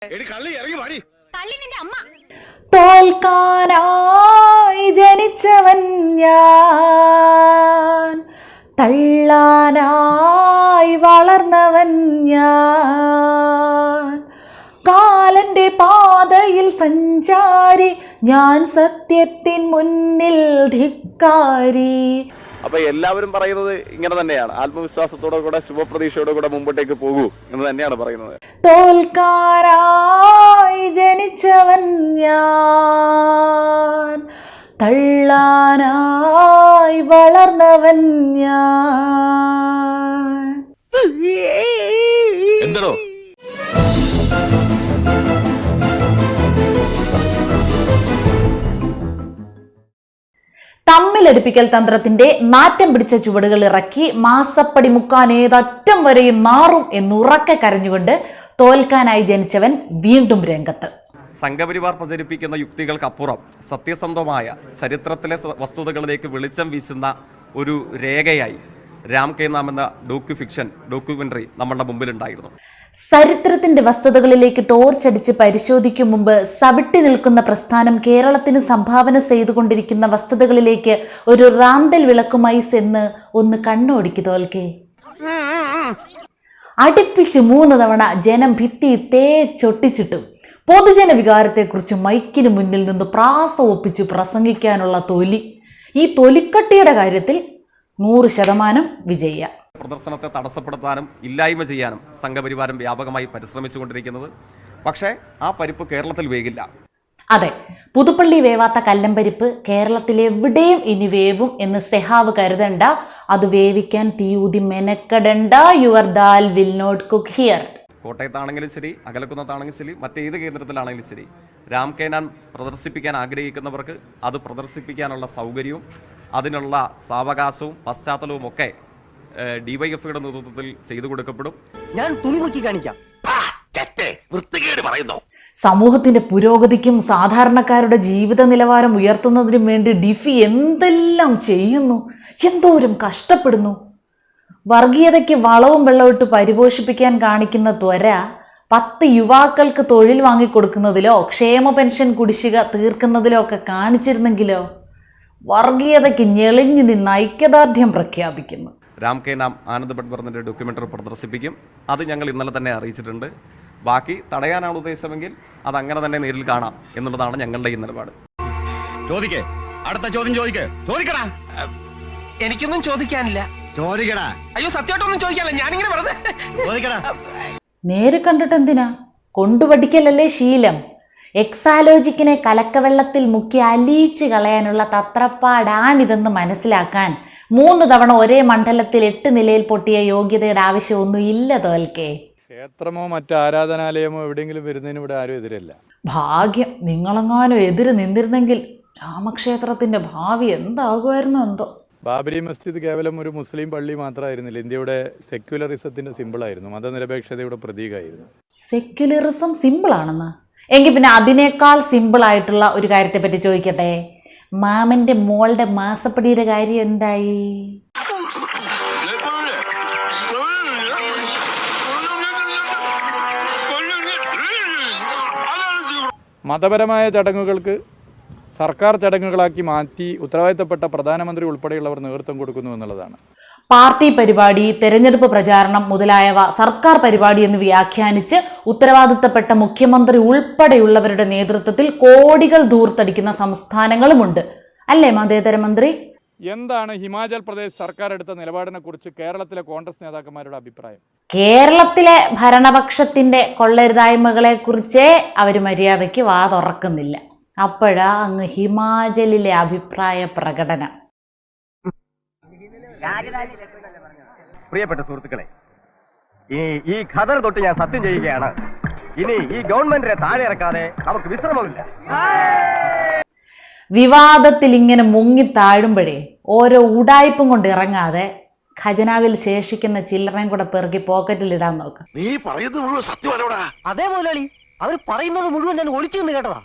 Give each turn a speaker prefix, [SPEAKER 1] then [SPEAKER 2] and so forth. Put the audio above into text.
[SPEAKER 1] തോൽക്കാനായി ജനിച്ചവൻ ഞാൻ, തള്ളാനായി വളർന്നവൻ ഞാൻ, കാലന്റെ പാതയിൽ സഞ്ചാരി ഞാൻ, സത്യത്തിൻ മുന്നിൽ ധിക്കാരി.
[SPEAKER 2] അപ്പൊ എല്ലാവരും പറയുന്നത് ഇങ്ങനെ തന്നെയാണ്, ആത്മവിശ്വാസത്തോടെ കൂടെ ശുഭപ്രതീക്ഷയോടെ കൂടെ മുമ്പോട്ടേക്ക് പോകൂ എന്ന് തന്നെയാണ് പറയുന്നത്.
[SPEAKER 1] തോൽക്കാനായി ജനിച്ചവൻ ഞാൻ, തള്ളാനായി വളർന്നവൻ ഞാൻ.
[SPEAKER 2] എന്തോ
[SPEAKER 1] തമ്മിലടിപ്പിക്കൽ തന്ത്രത്തിന്റെ നാറ്റം പിടിച്ച ചുവടുകൾ ഇറക്കി മാസപ്പടി മുക്കാൻ ഏതറ്റം വരെയും നാറും എന്നുറക്കെ കരഞ്ഞുകൊണ്ട് തോൽക്കാനായി ജനിച്ചവൻ വീണ്ടും രംഗത്ത്.
[SPEAKER 2] സംഘപരിവാർ പ്രചരിപ്പിക്കുന്ന യുക്തികൾക്കപ്പുറം സത്യസന്ധമായ ചരിത്രത്തിലെ വസ്തുതകളിലേക്ക് വെളിച്ചം വീശുന്ന ഒരു രേഖയായി രാം കെ നാം എന്ന ഡോക്യുമെന്ററി നമ്മളുടെ മുമ്പിലുണ്ടായിരുന്നു.
[SPEAKER 1] ചരിത്രത്തിന്റെ വസ്തുതകളിലേക്ക് ടോർച്ചടിച്ച് പരിശോധിക്കും മുമ്പ് സവിട്ടി നിൽക്കുന്ന പ്രസ്ഥാനം കേരളത്തിന് സംഭാവന ചെയ്തുകൊണ്ടിരിക്കുന്ന വസ്തുതകളിലേക്ക് ഒരു റാന്തൽ വിളക്കുമായി ചെന്ന് ഒന്ന് കണ്ണോടിക്ക് തോൽക്കേ. അടുപ്പിച്ച് 3 തവണ ജനം ഭിത്തി തേച്ചൊട്ടിച്ചിട്ടും പൊതുജന വികാരത്തെക്കുറിച്ച് മൈക്കിന് മുന്നിൽ നിന്ന് പ്രാസം ഒപ്പിച്ച് പ്രസംഗിക്കാനുള്ള തൊലി, ഈ തൊലിക്കട്ടിയുടെ കാര്യത്തിൽ 100% വിജയ.
[SPEAKER 2] പ്രദർശനത്തെ തടസ്സപ്പെടുത്താനും ഇല്ലായ്മ ചെയ്യാനും സംഘപരിവാരം വ്യാപകമായി പരിശ്രമിച്ചുകൊണ്ടിരിക്കുന്നത്. പക്ഷേ ആ പരിപ്പ് കേരളത്തിൽ വേകില്ല.
[SPEAKER 1] അതെ, പുതുപ്പള്ളി വേവാത്ത കല്ലമ്പരിപ്പ് കേരളത്തിലെവിടെയും ഇനി വേവും എന്ന് സെഹാവ് കരുതണ്ട. അത് വേവിക്കാൻ തീയൂതി മെനക്കെടണ്ട. Your dal will not cook here.
[SPEAKER 2] കോട്ടയത്താണെങ്കിലും ശരി, അകലക്കുന്നത്താണെങ്കിലും ശരി, മറ്റേത് കേന്ദ്രത്തിലാണെങ്കിലും ശരി, രാം കെ നാം പ്രദർശിപ്പിക്കാൻ ആഗ്രഹിക്കുന്നവർക്ക് അത് പ്രദർശിപ്പിക്കാനുള്ള സൗകര്യവും അതിനുള്ള സാവകാശവും പശ്ചാത്തലവും ഒക്കെ ഡിവൈഎഫ്ഐയുടെ നേതൃത്വത്തിൽ ചെയ്തു കൊടുക്കപ്പെടും.
[SPEAKER 3] ഞാൻ തുണി നോക്കി കാണിക്കാം.
[SPEAKER 1] സമൂഹത്തിന്റെ പുരോഗതിക്കും സാധാരണക്കാരുടെ ജീവിത നിലവാരം ഉയർത്തുന്നതിനും വേണ്ടി ഡിഫി എന്തെല്ലാം ചെയ്യുന്നു, എന്തോരം കഷ്ടപ്പെടുന്നു. വർഗീയതയ്ക്ക് വളവും വെള്ളമിട്ട് പരിപോഷിപ്പിക്കാൻ കാണിക്കുന്ന ത്വര 10 യുവാക്കൾക്ക് തൊഴിൽ വാങ്ങിക്കൊടുക്കുന്നതിലോ ക്ഷേമ പെൻഷൻ കുടിശ്ശിക തീർക്കുന്നതിലോ ഒക്കെ കാണിച്ചിരുന്നെങ്കിലോ. വർഗീയതയ്ക്ക് ഞെളിഞ്ഞു നിന്ന് ഐക്യദാർഢ്യം പ്രഖ്യാപിക്കുന്നു.
[SPEAKER 2] രാം കെ നാം ആനന്ദ് ഭട്ട്വർദ്ധന്റെ ഡോക്യുമെന്ററി പ്രദർശിപ്പിക്കും. അത് ഞങ്ങൾ ഇന്നലെ തന്നെ അറിയിച്ചിട്ടുണ്ട്. ബാക്കി തടയാനാണ് ഉദ്ദേശമെങ്കിൽ അത് അങ്ങനെ തന്നെ നേരിൽ കാണാം എന്നുള്ളതാണ് ഞങ്ങളുടെ ഈ നിലപാട്.
[SPEAKER 4] അടുത്ത ചോദ്യം ചോദിക്കടാ.
[SPEAKER 3] എനിക്കൊന്നും ചോദിക്കാനില്ല.
[SPEAKER 4] ചോദിക്കടാ.
[SPEAKER 3] അയ്യോ, സത്യമായിട്ടൊന്നും ചോദിക്കാനില്ല. ഞാനിങ്ങനെ വെറുതെ
[SPEAKER 4] ചോദിക്കടാ.
[SPEAKER 1] നേര് കണ്ടിട്ട് എന്തിനാ, കൊണ്ടുപഠിക്കലല്ലേ ശീലം. എക്സാലോജിക്കിനെ കലക്കവെള്ളത്തിൽ മുക്കി അലിയിച്ച് കളയാനുള്ള തത്രപ്പാടാണിതെന്ന് മനസ്സിലാക്കാൻ 3 തവണ ഒരേ മണ്ഡലത്തിൽ 8 നിലയിൽ പൊട്ടിയ യോഗ്യതയുടെ ആവശ്യമൊന്നും ഇല്ല തോൽക്കേ.
[SPEAKER 5] ക്ഷേത്രമോ മറ്റ് ആരാധനാലയമോ എവിടെയെങ്കിലും വരുന്നതിന് ഇവിടെ ആരും എതിരല്ല.
[SPEAKER 1] ഭാഗ്യം, നിങ്ങളെങ്ങാനും എതിര് നിന്നിരുന്നെങ്കിൽ രാമക്ഷേത്രത്തിന്റെ ഭാവി എന്താകുമായിരുന്നു എന്തോ.
[SPEAKER 5] ബാബരി മസ്ജിദ് കേവലം ഒരു മുസ്ലിം പള്ളി മാത്രമായിരുന്നില്ല, ഇന്ത്യയുടെ സെക്യുലറിസത്തിന്റെ സിമ്പിളായിരുന്നു, മതനിരപേക്ഷതയുടെ പ്രതീകമായിരുന്നു.
[SPEAKER 1] സെക്യുലറിസം സിമ്പിൾ ആണെന്ന്? എങ്കിൽ പിന്നെ അതിനേക്കാൾ സിമ്പിൾ ആയിട്ടുള്ള ഒരു കാര്യത്തെ പറ്റി ചോദിക്കട്ടെ. മാമന്റെ മോളുടെ മാസപ്പടിയുടെ കാര്യം എന്തായി?
[SPEAKER 5] മതപരമായ ചടങ്ങുകൾക്ക് സർക്കാർ ചടങ്ങുകളാക്കി മാറ്റി ഉത്തരവാദിത്തപ്പെട്ട പ്രധാനമന്ത്രി ഉൾപ്പെടെയുള്ളവർ നേതൃത്വം കൊടുക്കുന്നു എന്നുള്ളതാണ്.
[SPEAKER 1] പാർട്ടി പരിപാടി, തെരഞ്ഞെടുപ്പ് പ്രചാരണം മുതലായവ സർക്കാർ പരിപാടി എന്ന് വ്യാഖ്യാനിച്ച് ഉത്തരവാദിത്തപ്പെട്ട മുഖ്യമന്ത്രി ഉൾപ്പെടെയുള്ളവരുടെ നേതൃത്വത്തിൽ കോടികൾ ധൂർത്തടിക്കുന്ന സംസ്ഥാനങ്ങളുമുണ്ട് അല്ലേ മതേതര മന്ത്രി?
[SPEAKER 5] എന്താണ് ഹിമാചൽ പ്രദേശ് സർക്കാർ എടുത്ത നിലപാടിനെ കുറിച്ച് കേരളത്തിലെ കോൺഗ്രസ് നേതാക്കന്മാരുടെ അഭിപ്രായം?
[SPEAKER 1] കേരളത്തിലെ ഭരണപക്ഷത്തിന്റെ കൊള്ളരുതായ്മകളെ കുറിച്ചേ അവർ മര്യാദയ്ക്ക് വാ തുറക്കുന്നില്ല. അപ്പോഴാ അങ്ങ് ഹിമാചലിലെ അഭിപ്രായ പ്രകടനം.
[SPEAKER 3] പ്രിയപ്പെട്ട സുഹൃത്തുക്കളെ, ഈ ഖദർ തൊട്ട് ഞാൻ സത്യം ചെയ്യുകയാണ്, ഇനി ഈ ഗവൺമെന്റിനെ താഴെ ഇറക്കാതെ നമുക്ക് വിശ്രമമില്ല.
[SPEAKER 1] വിവാദത്തിൽ ഇങ്ങനെ മുങ്ങി താഴുമ്പോഴേ ഓരോ ഉടായ്പും കൊണ്ട് ഇറങ്ങാതെ ഖജനാവിൽ ശേഷിക്കുന്ന ചില്ലറയും കൂടെ പെറുക്കി പോക്കറ്റിൽ ഇടാൻ നോക്ക്.
[SPEAKER 4] നീ പറയുന്നത് മുഴുവൻ സത്യമാണോടാ?
[SPEAKER 3] അതേ മുതലാളി, അവർ പറയുന്നത് മുഴുവൻ ഞാൻ ഒളിച്ചു നിന്ന് കേട്ടതാ.